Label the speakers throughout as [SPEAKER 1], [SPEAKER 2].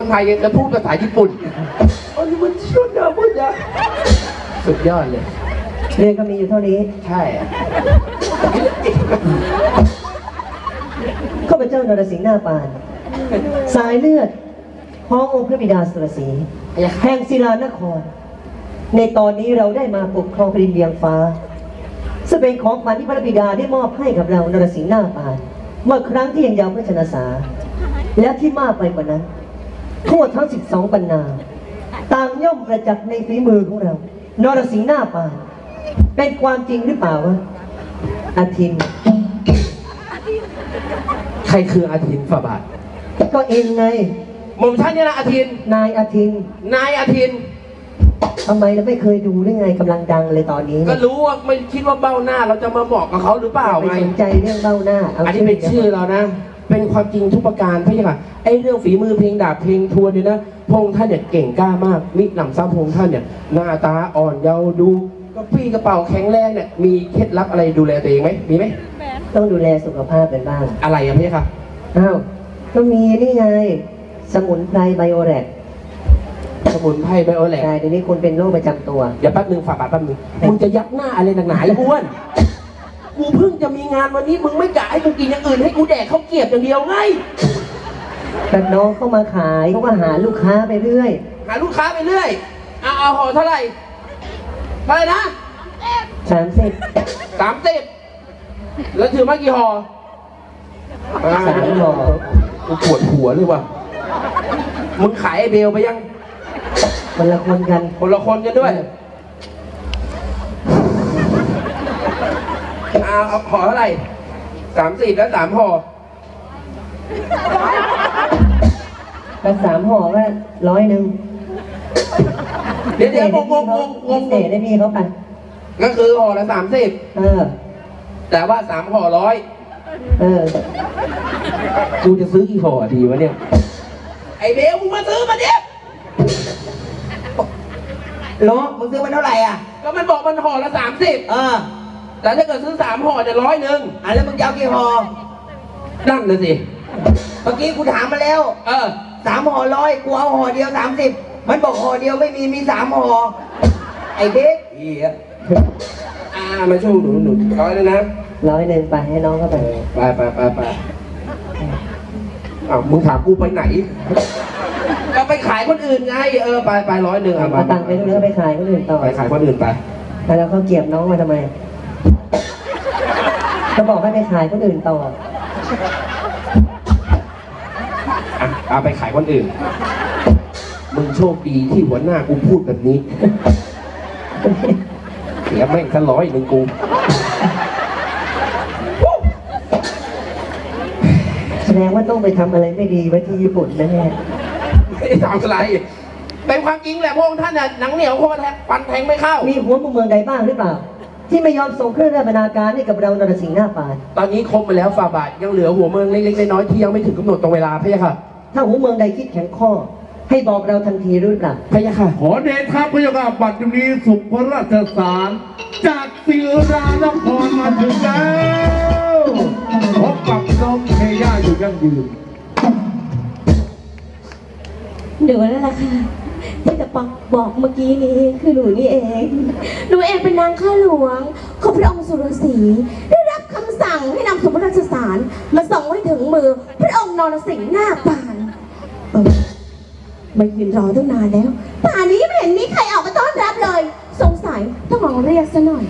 [SPEAKER 1] ไทยแล้วพูดภาษาญี่ปุ่นอันนี้มันชุดเดิมพูดนะสุดยอดเลย
[SPEAKER 2] เรื่องก็มีอยู่เท่านี้
[SPEAKER 1] ใช่
[SPEAKER 2] ข้าพเจ้านรสิงห์หน้าปานสายเลือดพ้ององค์พระบิดาสุรศรีแห่งศิลานครในตอนนี้เราได้มาปกครองแผ่นดินเวียงฟ้าซึ่งเป็นของขวัญที่พระบิดาได้มอบให้กับเรานรสิงห์หน้าปานเมื่อครั้งที่ยังเยาว์พระชนสาและที่มากไปกว่านั้นโทษทั้ง12 บรรณาต่างย่อมประจักษ์ในฝีมือของเรานรสิงห์หน้าปานเป็นความจริงหรือเปล่าวะอาทิน
[SPEAKER 1] ใครคืออาทินฝ่าบาท
[SPEAKER 2] ก็เองไง
[SPEAKER 1] หม่อมท่านนี่นะอาทิน
[SPEAKER 2] นายอาทิน
[SPEAKER 1] นายอาทิน
[SPEAKER 2] ทำไมเราไม่เคยดูได้ไงกำลังดังเลยตอนนี้
[SPEAKER 1] ก็รู้ว่าไม่คิดว่าเบ้าหน้าเราจะมาบอกกับเขาหรือเปล่าไง
[SPEAKER 2] ไม่สนใจเรื่องเบ้าหน้า
[SPEAKER 1] อันนี้เป็นชื่อเรานะเป็นความจริงทุกประการพี่ค่ะไอ้เรื่องฝีมือเพลงดาบเพลงทวนเนี่ยนะพงท่านเนี่ยเก่งกล้ามากมิหนำซ้ำพงท่านเนี่ยหน้าตาอ่อนเยาว์ดูก็พี่กระเป๋าแข็งแรงเนี่ยมีเคล็ดลับอะไรดูแลตัวเองไหมมีไหม
[SPEAKER 2] ต้องดูแลสุขภาพกันบ้าง
[SPEAKER 1] อะไรอะพี่ค่ะ
[SPEAKER 2] อ้าวก็มีนี่ไงสมุนไพรไบโอแลก
[SPEAKER 1] สมุนไพรไบโอแลก
[SPEAKER 2] ใช่เดี๋ยวนี้คุณเป็นโรคประจำตัว
[SPEAKER 1] เดี๋ยวแป๊บนึงฝากแป๊บนึงมึงจะยักหน้าอะไรหนักหนาไอ้อ้วนกูเพิ่งจะมีงานวันนี้มึงไม่กะให้กูกินอย่างอื่นให้กูแดกข้าวเกรี๊ยวอย่างเดียวไง
[SPEAKER 2] แต่น้องเข้ามาขายเขาก็หาลูกค้าไปเรื่อย
[SPEAKER 1] หาลูกค้าไปเรื่อยเอาห่อเท่าไหร่นะ30แล้วถือมากี่ห่อ
[SPEAKER 2] 3 ห่อ
[SPEAKER 1] กูปวดหัวเลยว่ะมึงขายไอเบลไปยัง
[SPEAKER 2] คนละคนกัน
[SPEAKER 1] ด้วยเอาห่อเท่าไหร่30แล้ว3 ห่อ
[SPEAKER 2] แล้ว3 ห่อก็100
[SPEAKER 1] เดี๋ยว
[SPEAKER 2] งเศษได้พี่เขาไป
[SPEAKER 1] ก็คือห่อละ30แต่ว่า3 ห่อ100กูจะซื้อกี่ห่อดีวะเนี่ยไอเบลมึงมาซื้อมาดิ
[SPEAKER 2] ล้อมึงซื้อมันเท่าไหร่อ่ะ
[SPEAKER 1] ก็มันบอกมันห่อละ30แต่ถ้าเกิดซื้อ3 ห่อจะ100
[SPEAKER 2] แล้วมึงจะเอากี่ห่อ
[SPEAKER 1] นั่นเลยสิ
[SPEAKER 2] เมื่อกี้กูถามมาแล้ว3 ห่อ100กูเอาห่อเดียว30มันบอกห่อเดียวไม่มี3 ห่อไอ้เด็ก
[SPEAKER 1] มาช่วยหนู100เลยนะ
[SPEAKER 2] 100ไปให้น้องเข้าไป
[SPEAKER 1] ไปมึงถามกูไปไหนก็ไปขายคนอื่นไงไป100
[SPEAKER 2] เอาตังค์ไปด้วยไปขายคนอื่นต่อ
[SPEAKER 1] ไปขายคนอื่นไป
[SPEAKER 2] แล้วเขาเก็บน้องมาทำไมเขาบอกให้ไปขายคนอื่นต่อ
[SPEAKER 1] เอาไปขายคนอื่นมึงโชคดีที่หัวหน้ากูพูดแบบนี้เสียแม่งซะ100กู
[SPEAKER 2] แสดงว่าต้องไปทำอะไรไม่ดีไว้ที่ญี่ปุ่นแน่
[SPEAKER 1] ไม่ได้ทำอะไรเป็นความจริงแหละพวกท่านน่ะหนังเหนียวโคตรฟันแทงไม่เข้า
[SPEAKER 2] มีหัวมุมเมืองใดบ้างหรือเปล่าที่ไม่ยอมส่งเครื่องราชบรรณาการให้กับเรานรสิงห์หน้าปาน
[SPEAKER 1] ตอนนี้ครบไปแล้วฝ่าบาทยังเหลือหัวเมืองเล็กๆน้อยๆที่ยังไม่ถึงกำหนดตรงเวลาพี่ค่ะ
[SPEAKER 2] ถ้าหัวเมืองใดคิดแข็งข้อให้บอกเราทันทีรู้เปล่า
[SPEAKER 1] พี่ค่ะ
[SPEAKER 3] ขอเดชะพระยาค่ะบัดนี้สุขพระราชสารจากศิลานครมาถึงแล้วพบกับน้องเทย่าอยู่ยั่งยืน
[SPEAKER 4] หนูนั่นแหละค่ะที่จะบอกเมื่อกี้นี้คือหนูนี่เองหนูเองเป็นนางข้าหลวงของพระองค์สุรศรีได้รับคำสั่งให้นำสมบัติราชสารมาส่งให้ถึงมือพระองค์นรสิงห์หน้าปานมายืนรอตั้งนานแล้วป่านนี้ไม่เห็นมีใครออกมาต้อนรับเลยสงสัยต้องลองเรียกซะหน่อย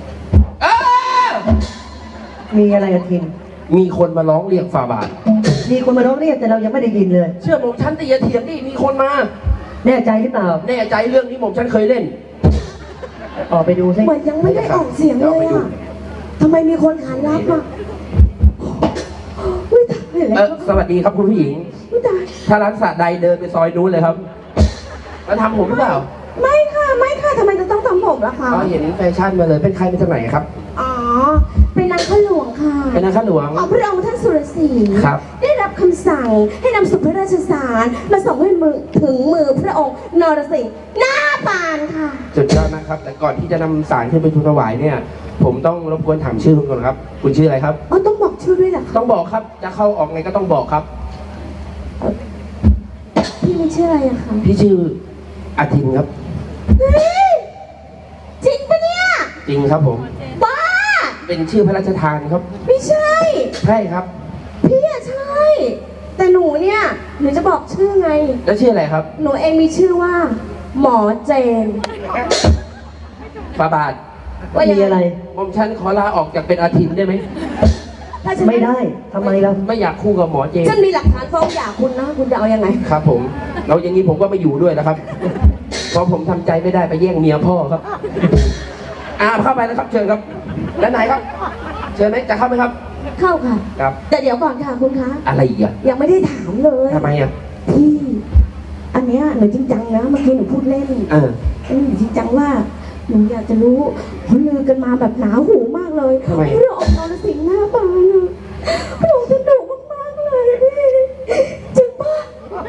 [SPEAKER 2] มีอะไรอาทิน
[SPEAKER 1] มีคนมาร้องเรียกฝ่าบาท
[SPEAKER 2] มีคนมาร้องเรียกแต่เรายังไม่ได้ยินเลย
[SPEAKER 1] เชื่อผมฉันตีเถียงดิมีคนมา
[SPEAKER 2] แน่ใจหรือเปล่า
[SPEAKER 1] แน่ใจเรื่องนี้ผมฉันเคยเล่น
[SPEAKER 2] ออกไปดูสิ
[SPEAKER 4] เหมือนยังไม่ได้ออกเสียงเลยอ่ะทำไมมีคนขานรับอ่ะ
[SPEAKER 1] สวัสดีครับคุณผู้หญิงถ้าร้านสระใดเดินไปซอยนู้นเลยครับแล้วทำผมหรือเปล่า
[SPEAKER 4] ไม่ค่ะทำไมจะต้องทำผมล่ะคะ
[SPEAKER 1] เห็นแฟชั่นมาเลยเป็นใครเป็นจากไหนครับ
[SPEAKER 4] เป็นนางข้าหลวงค่ะ
[SPEAKER 1] เป็นนางข้าหลวง
[SPEAKER 4] ของพระองค์ท่านสุรศรี
[SPEAKER 1] ครับ
[SPEAKER 4] ได้รับคำสั่งให้นำสุภราชสารมาส่งให้ถึงมือพระองค์นรสิงห์หน้าปานค่ะ
[SPEAKER 1] สุดยอดนะครับแต่ก่อนที่จะนำสารขึ้นไปทูลถวายเนี่ยผมต้องรบกวนถามชื่อคุณก่อนครับคุณชื่ออะไรครับ
[SPEAKER 4] ต้องบอกชื่อด้วยเหรอ
[SPEAKER 1] ต้องบอกครับจะเข้าออกไงก็ต้องบอกครับ
[SPEAKER 4] พพี่ไม่ชื่ออะไรอะคะ
[SPEAKER 1] พี่ชื่ออาทินครับ
[SPEAKER 4] เฮ้ยจริงปะเนี่ย
[SPEAKER 1] จริงครับผม
[SPEAKER 4] บ้า
[SPEAKER 1] เป็นชื่อพระราชทานครับ
[SPEAKER 4] ไม่ใช่
[SPEAKER 1] ใช่ครับ
[SPEAKER 4] พี่อะใช่ แต่หนูเนี่ยหนูจะบอกชื่อไง
[SPEAKER 1] แล้วชื่ออะไรครับ
[SPEAKER 4] หนูเองมีชื่อว่า หมอเจน
[SPEAKER 1] ฟาบาท
[SPEAKER 4] ว่ายัง
[SPEAKER 2] มีอะไร
[SPEAKER 1] ผมฉันขอลาออกจากเป็นอาทินได้ไหม
[SPEAKER 4] ถ้าฉัน
[SPEAKER 2] ไม่ได้ทำไมเรา
[SPEAKER 1] ไม่อยากคู่กับหมอเจน
[SPEAKER 4] ฉันมีหลักฐานฟ้องหย่าคุณนะ คุณจะเอายังไง
[SPEAKER 1] ครับผมแล้วอย่างนี้ผมก็ไม่อยู่ด้วยแล้วครับ เพราะผมทำใจไม่ได้ไปแย่งเมียพ่อครับเข้าไปนะครับ เชิญครับด้านไหนครับ เชิญไหมจะเข้าไหมครับ
[SPEAKER 4] เข้าค่ะ
[SPEAKER 1] ครับ
[SPEAKER 4] แต่เดี๋ยวก่อนค่ะคุณคะ
[SPEAKER 1] อะไรอีกอะ
[SPEAKER 4] ยังไม่ได้ถามเลย
[SPEAKER 1] ทำไมอะ
[SPEAKER 4] พี่ อันเนี้ยหนูจริงจังนะ เมื่อกี้หนูพูดเล่น หนูจริงจังว่าหนูอยากจะรู้เขาลือกันมาแบบหนาหูมากเลย
[SPEAKER 1] ทำไม
[SPEAKER 4] เรื่องออกนรสิงห์หน้าบานอะหนูสนุกมากๆเลยพี่จริงปะ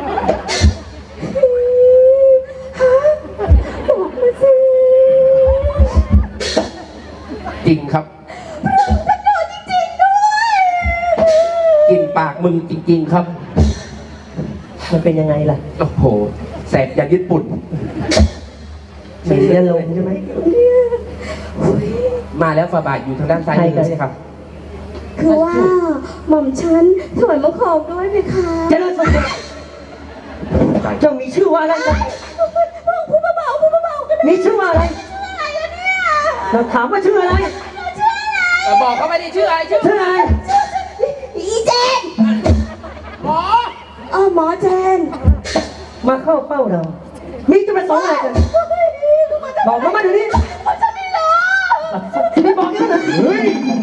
[SPEAKER 4] ฮะบอกมาสิ
[SPEAKER 1] จริงครับ
[SPEAKER 4] สนุกจริงๆด้วย
[SPEAKER 1] กินปากมึงจริง ๆ ครับ
[SPEAKER 2] มันเป็นยังไงล่ะ
[SPEAKER 1] โอ้โหแสบยันญี่ปุ่น
[SPEAKER 2] มีเรียนลงใช่ไหม
[SPEAKER 1] มาแล้วฟาบาทอยู่ทางด้านซ้ายมือใช่ครับ
[SPEAKER 4] คือว่าหม่อมฉันถอยมาขอบด้วยไหมคะ
[SPEAKER 2] เจริญสุขเจ้ามีชื่อว่าอะไรกัน
[SPEAKER 4] พูดเบาๆพูดเบาๆก็ได้
[SPEAKER 2] มีชื่อว่าอะไร
[SPEAKER 4] อะไรอะเนี่ย
[SPEAKER 2] เราถามว่าชื่ออะไร
[SPEAKER 1] แต่บอกเขาไม่ได้ชื่ออะไรชื่อ
[SPEAKER 2] ชื่ออะไร
[SPEAKER 4] อีเจน
[SPEAKER 1] หมอ
[SPEAKER 4] หมอเจน
[SPEAKER 2] มาเข้าเป้าเรา มีจุดประสงค์อะไรกัน บอกมาเดี๋ยวนี้
[SPEAKER 4] ฉันไม่รู้
[SPEAKER 2] ไม่บอกยังไง
[SPEAKER 3] เฮ้ย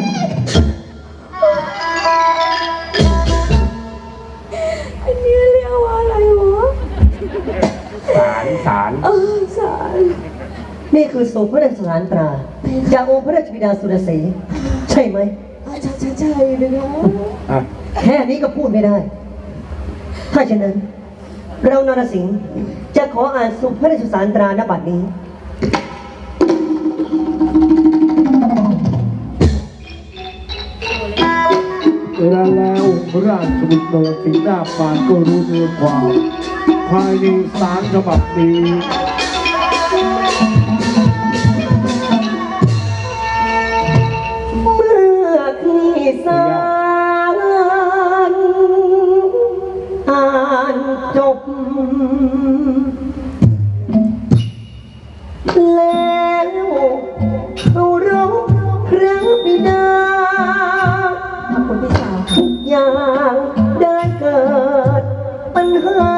[SPEAKER 4] อันนี้เรียกว่าอะไรวะ
[SPEAKER 1] สาร
[SPEAKER 4] สาร
[SPEAKER 2] นี่คือโสมพระราชสารตราจากองค์พระราชบิดาสุรศรีใช่ไหม
[SPEAKER 4] ใช่เลยนะ
[SPEAKER 1] อ่ะ
[SPEAKER 2] แค่นี้ก็พูดไม่ได้ ถ้าฉะนั้น เรานรสิงห์จะขออ่านสุพระราชสารตราณบัดนี้
[SPEAKER 3] เวลาแล้วราชบุตรนรสิงห์หน้าปานก็รู้เนื้อความภายในสารฉบับนี้
[SPEAKER 2] เมื่อที่สารอ่านจบ แล้วเคารพพระบิดา
[SPEAKER 4] ขอบคุณพี่สาว
[SPEAKER 2] ทุกอย่างได้เกิดปัญหา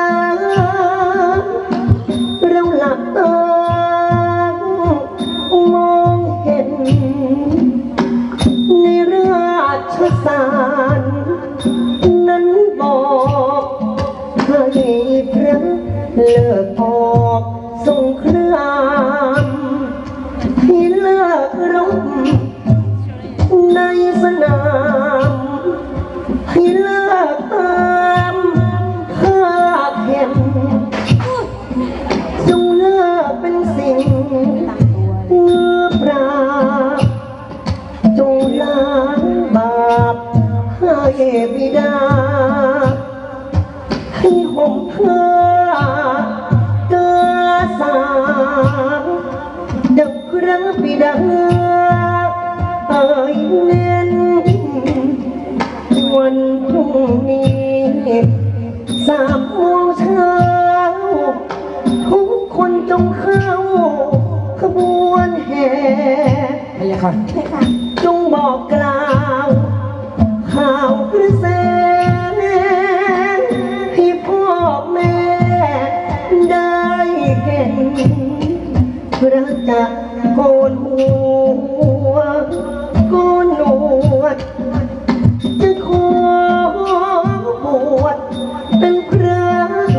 [SPEAKER 2] เราหลับตามองเห็น ในราชสารนั้นบอกให้พระเลิกออกสงครามให้เลิกรบในสนามให้เลิกตามข้าเข็มจงเลิกเป็นสิ่งเมื่อปราบจงล้างบาปให้บิดาให้ห่มผ้ากาสาดังพระบิดาเอ่ยเน้นวันพรุ่งนี้3 โมงเช้าทุกคนจงเข้าขบวนแห่
[SPEAKER 1] พะยะค่ะ
[SPEAKER 4] ใช่ค่ะ
[SPEAKER 2] จงบอกกล่าวข่าวกระแสให้พ่อแม่ได้เห็นพระจะโกนหัวโกนหนวดจะขอบวชเป็นพระ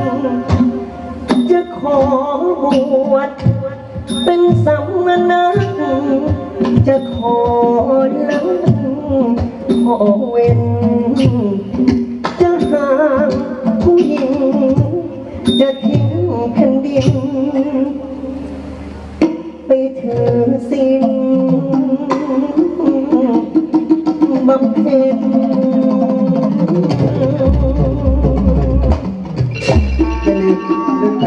[SPEAKER 2] จะขอบวชเป็นสามเณรจะขอลังขอเว้นจะหาผู้หญิงจะทิ้งแผ่นดินไปถือศีลบำเพ็ญ
[SPEAKER 3] เ
[SPEAKER 1] เรื่องแบบ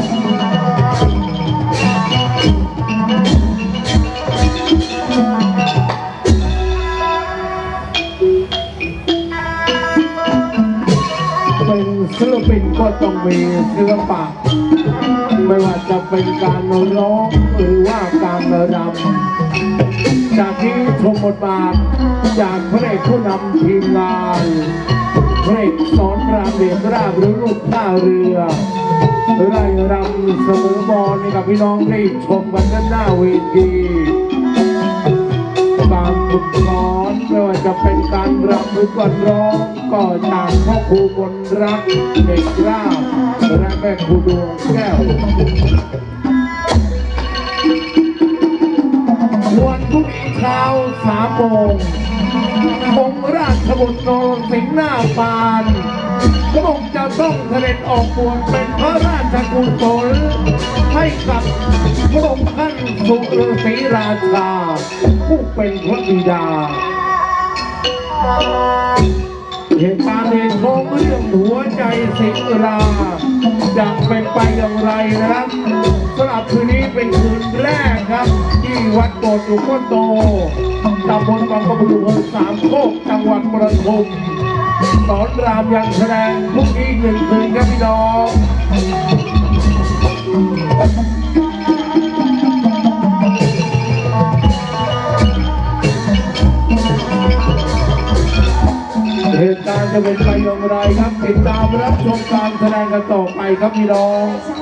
[SPEAKER 3] เป็นศิลปินก็ต้องมีศิลปะไม่ว่าจะเป็นการร้องหรือว่าการรำจากที่ชมบทบาทจากพระเอกผู้นำทีมงานพระเอกสอนรามเดชราบหรือลูกท่าเรือไร่รำเสมอบอลนี่กับพี่น้องได้ชมกันด้านหน้าเวทีการฝึกสอนไม่ว่าจะเป็นการรำหรือการร้องก็จากพ่อครูบนรักเด็กราบและแม่ครูดวงแก้ววันพรุ่งนี้เช้า3 โมงองค์ราชบุตรนรสิงห์หน้าปานพระองค์จะต้องเสด็จออกบวชเป็นพระราชกุศลให้กับพระองค์ท่านสุรศรีราชาผู้เป็นพระบิดาเหตุการณ์ในท้องเรื่องหัวใจสิงห์ราจะเป็นไปอย่างไรนะครับสำหรับคืนนี้เป็นคืนแรกครับที่วัดโบสถ์หลวงพ่อโตตำบลบางกระบุอำเภอสามโคกจังหวัดประทุมสอนรามยังแสดงพรุ่งนี้อีก1 คืนครับพี่น้องเหตุการณ์จะเป็นไปอย่างไรครับติดตามรับชมการแสดงกันต่อไปครับพี่น้อง
[SPEAKER 4] ใช่